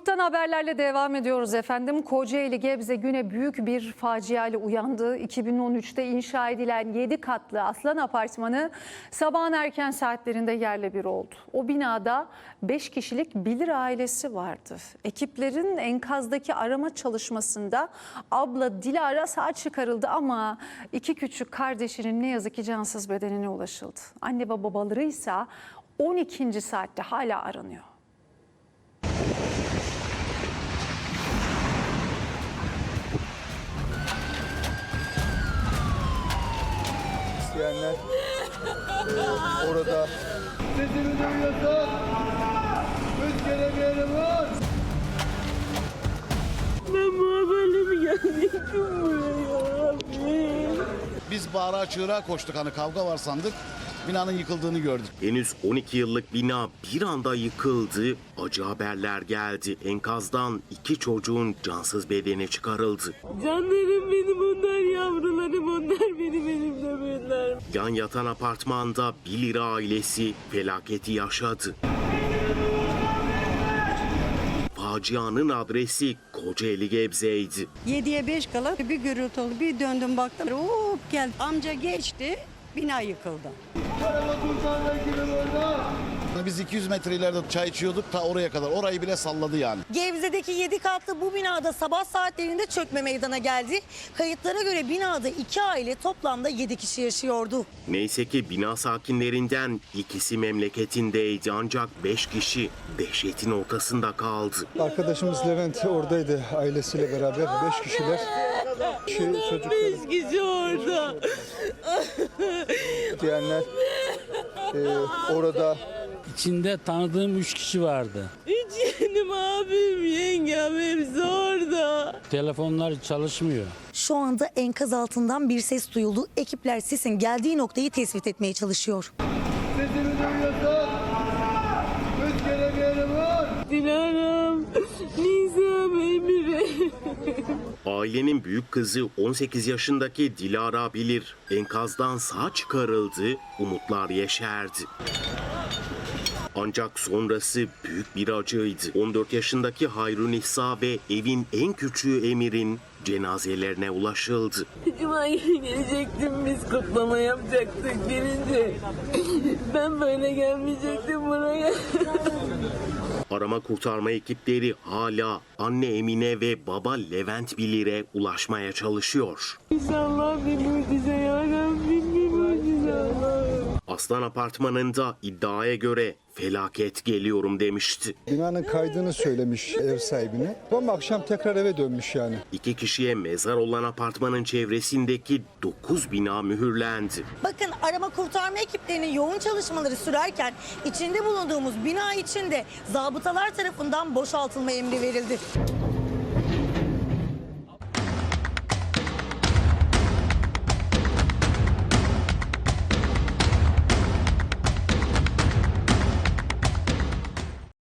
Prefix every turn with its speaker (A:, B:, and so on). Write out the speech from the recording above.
A: Kutup'tan haberlerle devam ediyoruz efendim. Kocaeli Gebze güne büyük bir facia ile uyandı. 2013'te inşa edilen 7 katlı Aslan Apartmanı sabahın erken saatlerinde yerle bir oldu. O binada 5 kişilik Bilir ailesi vardı. Ekiplerin enkazdaki arama çalışmasında abla Dilara sağ çıkarıldı ama 2 küçük kardeşinin ne yazık ki cansız bedenine ulaşıldı. Anne ve babaları ise 12. saatte hala aranıyor.
B: İsteyenler orada sesimi duyuyorsun. Üç kere bir yerim var.
C: Ben bu haberle mi geldiydim buraya abi?
D: Biz bağıra çığıra koştuk, hani kavga var sandık. Binanın yıkıldığını gördük.
E: Henüz 12 yıllık bina bir anda yıkıldı. Acı haberler geldi. Enkazdan 2 çocuğun cansız bedeni çıkarıldı.
C: Canlarım benim, onlar yavrularım, onlar benim elimde büyüdüler.
E: Yan yatan apartmanda Bilir ailesi felaketi yaşadı. Facianın adresi Kocaeli Gebze'ydi.
F: 7'ye 5 kala bir gürültü oldu. Bir döndüm baktım. Hop geldi. Amca geçti. Bina yıkıldı.
D: Biz 200 metre ileride çay içiyorduk, ta oraya kadar. Orayı bile salladı yani.
G: Gebze'deki 7 katlı bu binada sabah saatlerinde çökme meydana geldi. Kayıtlara göre binada 2 aile toplamda 7 kişi yaşıyordu.
E: Neyse ki bina sakinlerinden ikisi memleketindeydi ancak 5 kişi dehşetin ortasında kaldı.
B: Arkadaşımız Levent oradaydı ailesiyle beraber. 5 kişiler. Çocukları
C: 5 kişi orada.
B: diyenler orada.
H: İçinde tanıdığım 3 kişi vardı.
C: 3 yeğenim, abim, yengem hepsi orada.
H: Telefonlar çalışmıyor.
G: Şu anda enkaz altından bir ses duyuldu. Ekipler sesin geldiği noktayı tespit etmeye çalışıyor.
B: Sesimi duyuyorsun. Üç kere bir yerim var.
C: Dilara'm, Nizam, Emre.
E: Ailenin büyük kızı 18 yaşındaki Dilara Bilir enkazdan sağ çıkarıldı, umutlar yeşerdi. Ancak sonrası büyük bir acıydı. 14 yaşındaki Hayrunisa ve evin en küçüğü Emir'in cenazelerine ulaşıldı.
C: Cuma günü gelecektim, biz kutlama yapacaktık gelince. Ben böyle gelmeyecektim buraya.
E: Arama kurtarma ekipleri hala anne Emine ve baba Levent Bilir'e ulaşmaya çalışıyor.
C: İnşallah bir mucize yarabbim, bir mucize Allah'ım.
E: Aslan Apartmanı'nda iddiaya göre felaket geliyorum demişti.
B: Binanın kaydığını söylemiş ev sahibine. Ama akşam tekrar eve dönmüş yani.
E: 2 kişiye mezar olan apartmanın çevresindeki 9 bina mühürlendi.
G: Bakın, arama kurtarma ekiplerinin yoğun çalışmaları sürerken içinde bulunduğumuz bina içinde zabıtalar tarafından boşaltılma emri verildi.